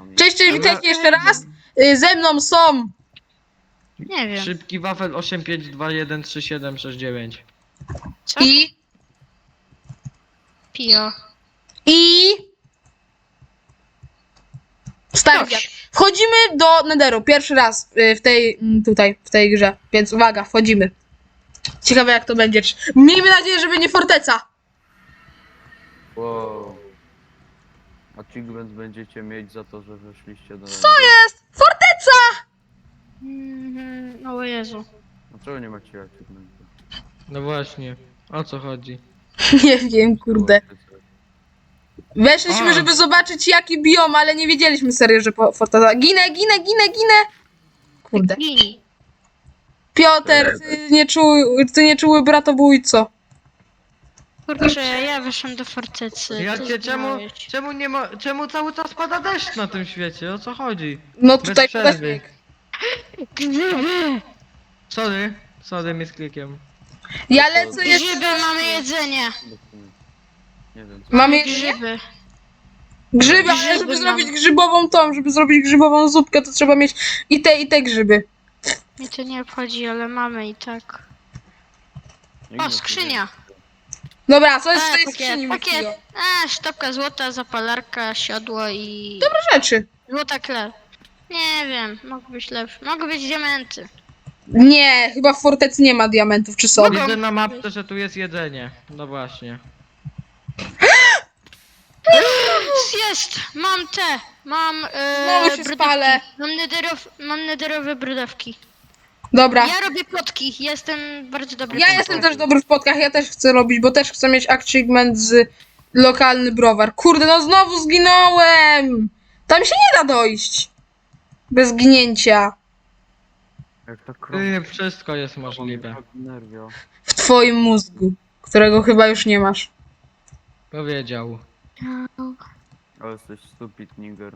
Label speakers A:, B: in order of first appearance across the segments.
A: nami.
B: Cześć, witajcie jeszcze raz. Ze mną są
C: Nie wiem.
D: Szybki wafel 85213769.
C: Co?
B: i
C: Pio.
B: Stary Wiat. Wchodzimy do Netheru pierwszy raz w tej grze, więc uwaga, wchodzimy. Ciekawe jak to będzie. Miejmy nadzieję, że będzie forteca.
A: Wow. Achievement będziecie mieć za to, że weszliście do...
B: Co jest? Forteca!
C: O Jezu.
A: Dlaczego nie macie achievementu?
D: No właśnie, o co chodzi?
B: Nie wiem, kurde. Weszliśmy,
D: A.
B: żeby zobaczyć jaki biom, ale nie wiedzieliśmy serio, że forteca. Ginę. Kurde.
C: Gini.
B: Piotr, ty nieczuły bratobójco.
C: Kurczę, ja wyszłam do fortecy.
D: Ja
C: ty
D: cię,
C: zginąłeś.
D: czemu cały czas pada deszcz na tym świecie? O co chodzi?
B: No
D: Bez
B: tutaj
D: przerwy.
C: Grzyby!
D: Sorry, misklikiem.
B: Ja lecę jeszcze.
C: Grzyby, mamy jedzenie.
A: Nie wiem.
B: Mamy
C: Grzyby.
B: grzyby, ale
C: Grzyby
B: żeby
C: mam.
B: zrobić grzybową żeby zrobić grzybową zupkę, to trzeba mieć i te grzyby.
C: Mnie to nie obchodzi, ale mamy i tak.
A: Nikt
C: O,
A: nas nie
C: skrzynia.
B: Dobra, co jest w tej
C: Pakiet,
B: skrzyni?
C: pakiet.
B: Mikio?
C: Sztabka złota, zapalarka, siodło i...
B: Dobre rzeczy.
C: Złota kler. Nie wiem, mogły być lepsze. Mogły być diamenty.
B: Nie, chyba w fortecy nie ma diamentów, czy są?
D: Widzę na mapce, że tu jest jedzenie. No właśnie.
C: Jest! Mam te! Mam
B: Znowu się
C: brudawki.
B: spalę.
C: Mam nederowe brudawki.
B: Dobra.
C: Ja robię plotki, jestem bardzo dobry.
B: Ja
C: w
B: jestem
C: plotkach.
B: też dobry w podkach, ja też chcę robić, bo też chcę mieć achievement z lokalny browar. Kurde, no znowu zginąłem! Tam się nie da dojść. Bez ginięcia.
A: Jak ta krowa.
D: Wszystko jest możliwe.
A: Nerwio.
B: W twoim mózgu, którego chyba już nie masz.
D: Powiedział.
A: Ale jesteś stupid nigger.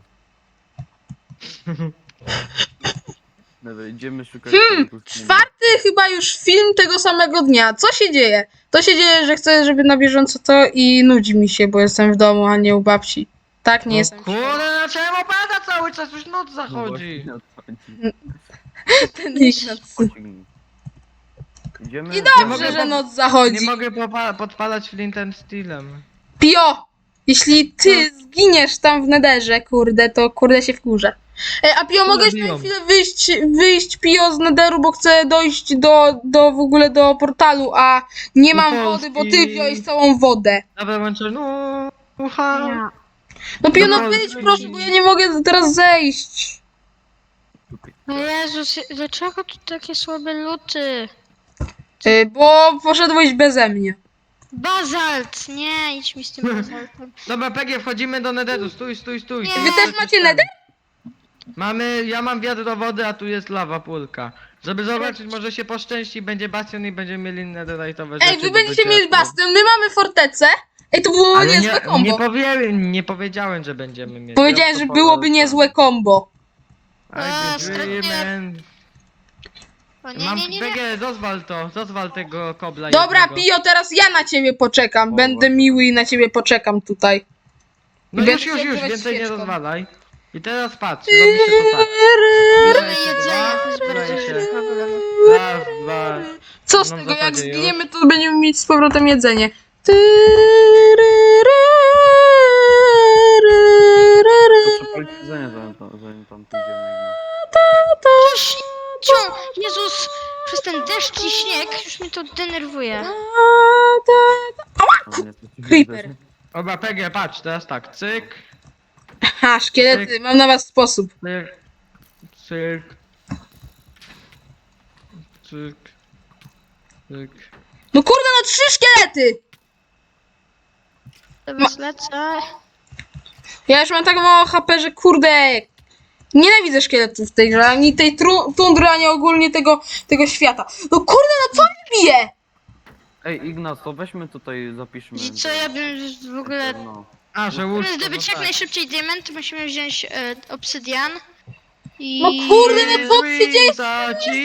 A: Dobra, idziemy szukać tej pustyni.
B: Czwarty chyba już film tego samego dnia. Co się dzieje? To się dzieje, że chcę, żeby na bieżąco to i nudzi mi się, bo jestem w domu, a nie u babci. Tak, nie
D: No
B: jestem.
D: kurde, no czemu pada cały czas? Już noc
A: No
D: zachodzi.
A: właśnie, odchodzi.
B: Ten Ignacy.
A: Pociągnij. Idziemy?
B: I
D: Nie
B: dobrze,
D: mogę
B: że
D: po-
B: noc zachodzi.
D: Nie mogę podpalać flint and steelem.
B: Pio! Jeśli ty zginiesz tam w nederze, kurde, to kurde się wkurzę. A Pio, mogłeś na
D: biją.
B: chwilę wyjść Pio z nederu, bo chcę dojść do w ogóle do portalu, a nie mam
D: Do
B: wody, bo ty
D: Polski.
B: wziąłeś całą wodę.
D: Dobra, łączę, no, ucha.
C: Ja.
B: No Pio, no
D: Do
B: wyjdź
D: Polski.
B: proszę, bo ja nie mogę teraz zejść.
C: O Jezus, dlaczego tu takie słabe luty?
B: Bo poszedłeś beze mnie.
C: Bazalt! Nie, idź mi z tym bazaltem.
D: Dobra, PG, wchodzimy do netheru, stój.
C: Nie.
B: Wy też macie nether?
D: Ja mam wiadro wody, a tu jest lawa pulka. Żeby zobaczyć, może się poszczęści, będzie bastion i będziemy mieli netherite'owe rzeczy.
B: Ej, wy
D: do
B: będziecie
D: bycia.
B: mieli bastion, my mamy fortecę. Ej, to było
D: Ale
B: niezłe kombo.
D: nie powiedziałem, że będziemy mieli.
B: Powiedziałem, że byłoby niezłe kombo.
D: Agreement.
C: O nie,
D: Mam
C: nie, nie, nie.
D: PG, rozwal tego kobla
B: Dobra,
D: jednego.
B: Pio, teraz ja na ciebie poczekam.
A: O,
B: Będę
A: właśnie.
B: miły i na ciebie poczekam tutaj.
D: No
B: Będę
D: już,
B: świętować
D: więcej nie
B: świeczką.
D: rozwalaj. I teraz patrz, robi się to tak.
C: Mamy jedzenie, to jest bardzo
D: Zdaje się.
C: duży problem.
D: Raz, dwa.
B: Co z
D: No w
B: tego, jak
D: zasadzie już.
B: zginiemy, to będziemy mieć z powrotem jedzenie.
A: To przepalić jedzenie, zanim tam pójdziemy.
C: Cio, Jezus, przez ten deszcz i śnieg już mnie to denerwuje.
A: Ale nie, to ci
B: Creeper.
A: jedzenie.
D: Oba PG, patrz, teraz tak, cyk,
B: Ha, szkielety, mam na was sposób.
D: cyk, cyk, cyk, cyk.
B: No kurde, no 3 szkielety!
C: Teraz lecę.
B: Ja już mam tak mało HP, że kurde... Nienawidzę szkieletów w tej grze, ani tej tundry, ani ogólnie tego świata. No kurde, no co mi bije?
A: Ej, Ignac, to weźmy tutaj, zapiszmy.
C: I co, ja bym w ogóle...
A: No.
D: A, że
C: Żeby
D: łóżko,
C: zdobyć
D: no
C: jak najszybciej diament, musimy wziąć obsydian. I...
B: No kurde, no co tu się dzieje?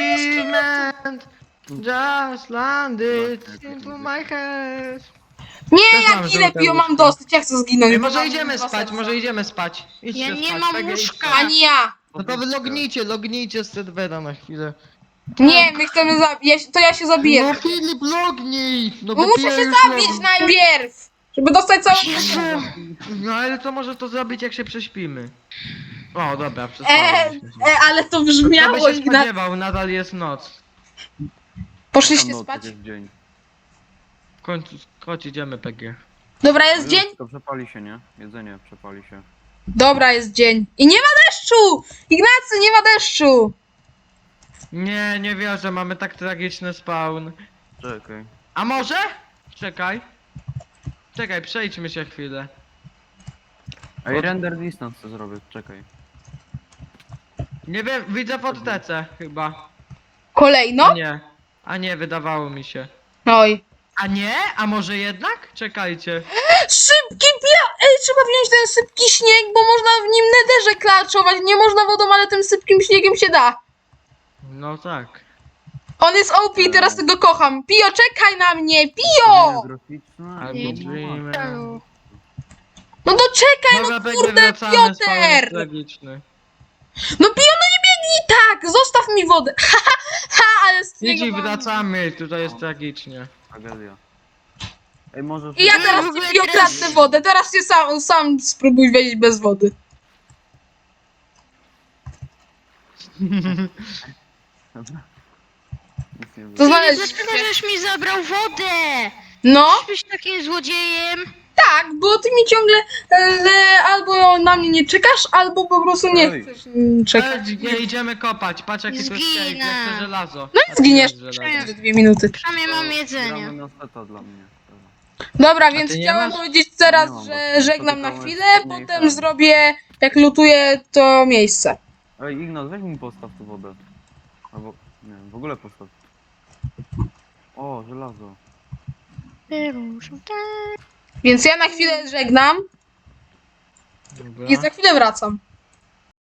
D: Achievement just landed into my head.
B: Nie,
D: Też
B: ja
D: mam
B: ginę,
D: żółte
B: Pio, mam
D: łóżko.
B: dosyć, ja chcę zginąć.
D: Ej,
B: bo
D: może
B: mam
D: idziemy
B: dwa
D: spać,
B: serca.
D: może idziemy spać. Idźcie
C: Ja nie
D: spać,
C: mam
D: PG,
C: łóżka.
D: idźcie.
B: Ani ja.
D: No to wy lognijcie z serwera na chwilę.
B: Nie, my chcemy zabić, to ja się zabiję.
D: No Filip, lognij! No
B: Bo
D: bo
B: muszę
D: Pia
B: się
D: już
B: zabić
D: logni.
B: najpierw, żeby dostać całą...
D: No ale to może to zrobić jak się prześpimy. O, dobra,
B: E,
D: przespaliśmy się.
B: ale to
D: Kto by
B: brzmiało,
D: się
B: Ignacy.
D: spodziewał, nadal jest noc.
A: Tam
B: Poszliście
A: noc,
B: spać?
A: jest dzień.
D: W końcu, chodź idziemy PG.
B: Dobra,
A: No
B: jest dzień?
A: już, to przepali się, nie? Jedzenie przepali się.
B: Dobra, jest dzień. I nie ma deszczu! Ignacy, nie ma deszczu!
D: Nie, nie wierzę, mamy tak tragiczny spawn.
A: Czekaj.
D: A może? Czekaj. Czekaj, przejdźmy się chwilę.
A: Ej, render distance zrobię, czekaj.
D: Nie wiem, widzę fortecę chyba. A
B: Kolejno?
D: nie. A nie, wydawało mi się.
B: Oj.
D: A nie? A może jednak? Czekajcie.
B: Szybki Ej, trzeba wziąć ten sypki śnieg, bo można w nim nederze klaczować. Nie można wodą, ale tym sypkim śniegiem się da.
D: No tak.
B: On jest OP i teraz tego kocham. Pio, czekaj na mnie! Pio!
A: Graficzne.
D: Albo
C: Nie,
D: dreamy.
B: No to czekaj,
D: Dobra,
B: no
D: PG,
B: kurde,
D: wracamy, spawn jest
B: Piotr!
D: tragiczny.
B: No Pio, no nie biegnij tak! Zostaw mi wodę. Ha, ale z
D: Idź
B: niego
D: i
B: mam-
D: wracamy, tutaj jest tragicznie.
A: Tragedia. Ej, może...
B: I ja teraz
C: w ogóle
B: ci Pio
C: teraz-
B: kradnę wodę. Teraz się sam spróbuj wejść bez wody.
A: Dobra. Nic nie
B: To
A: było.
B: znaleźć.
C: Dlaczego żeś mi zabrał wodę?
B: No,
C: Byś takim złodziejem.
B: tak, bo ty mi ciągle albo na mnie nie czekasz, albo po prostu nie
A: Oj.
B: chcesz czekać.
D: Nie idziemy kopać, patrz jaki tu jest cave,
C: Zginę.
D: jak to żelazo.
B: No i zginiesz.
D: A tu jest żelazo.
B: 2 minuty.
C: Przynajmniej mam jedzenie.
A: Gramy na seta dla mnie. Dobra.
B: Dobra, więc
D: ty nie
B: chciałam
D: masz?
B: powiedzieć teraz,
A: Nie mam,
B: że
A: bo
B: żegnam na
A: spotykamy
B: chwilę,
A: się
B: potem
A: nie
B: zrobię, jak lutuję to miejsce.
A: Ej, Ignat, weź mi postaw tu wodę. Albo... Nie wiem, w ogóle postaw. O, żelazo.
B: Więc ja na chwilę żegnam
D: Dobra.
B: i za chwilę wracam.